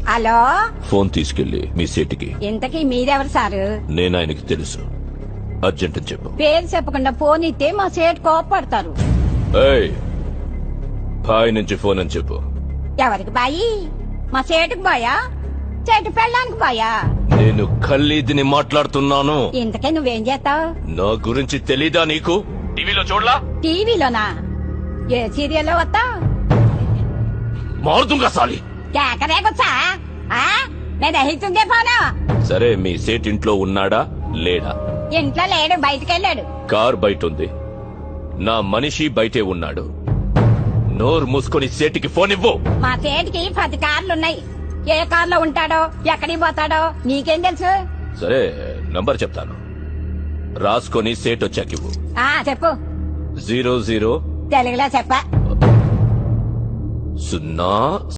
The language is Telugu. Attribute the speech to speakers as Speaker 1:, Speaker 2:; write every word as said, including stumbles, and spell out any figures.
Speaker 1: హలో,
Speaker 2: ఫోన్ తీసుకెళ్లి మీ సీటుకి.
Speaker 1: ఇంతకీ మీరెవరు సారు?
Speaker 2: నేను ఆయనకి తెలుసు. అర్జెంట్ అని చెప్పు.
Speaker 1: పేరు చెప్పకుండా ఫోన్ ఇస్తే మా సేటు కోపడతారు.
Speaker 2: ఏయ్, బాయ్ నుంచి ఫోన్ అని చెప్పు.
Speaker 1: ఎవరికి బాయి? మా సేటుకు బాయా, చెట్టు పెళ్ళానికి బాయా?
Speaker 2: నేను ఖల్లీదిని మాట్లాడుతున్నాను.
Speaker 1: ఇంతకీ నువ్వేం చేస్తావు?
Speaker 2: నా గురించి తెలీదా నీకు? టీవీలో చూడలా?
Speaker 1: టీవీలోనా? ఏ సీరియల్లో వస్తావు?
Speaker 2: మారుతుంగా సాలి.
Speaker 1: కేకరేకొచ్చా? నేను అహితుందే పోను.
Speaker 2: సరే, మీ సేట్ ఇంట్లో ఉన్నాడా లేడా?
Speaker 1: ఇంట్లో లేడు, బయటకెళ్ళాడు.
Speaker 2: కార్ బయట ఉంది. నా మనిషి బయటే ఉన్నాడు. నోరు మూసుకొని సేటికి ఫోన్ ఇవ్వు.
Speaker 1: మా సేటికి పది కార్లున్నాయి. ఏ కార్లో ఉంటాడో, ఎక్కడికి పోతాడో నీకేం తెలుసు?
Speaker 2: సరే, నంబర్ చెప్తాను, రాసుకొని సేట్ వచ్చాకివ్వు.
Speaker 1: ఆ చెప్పు.
Speaker 2: జీరో జీరో
Speaker 1: తెలుగులో చెప్ప.
Speaker 2: సున్నా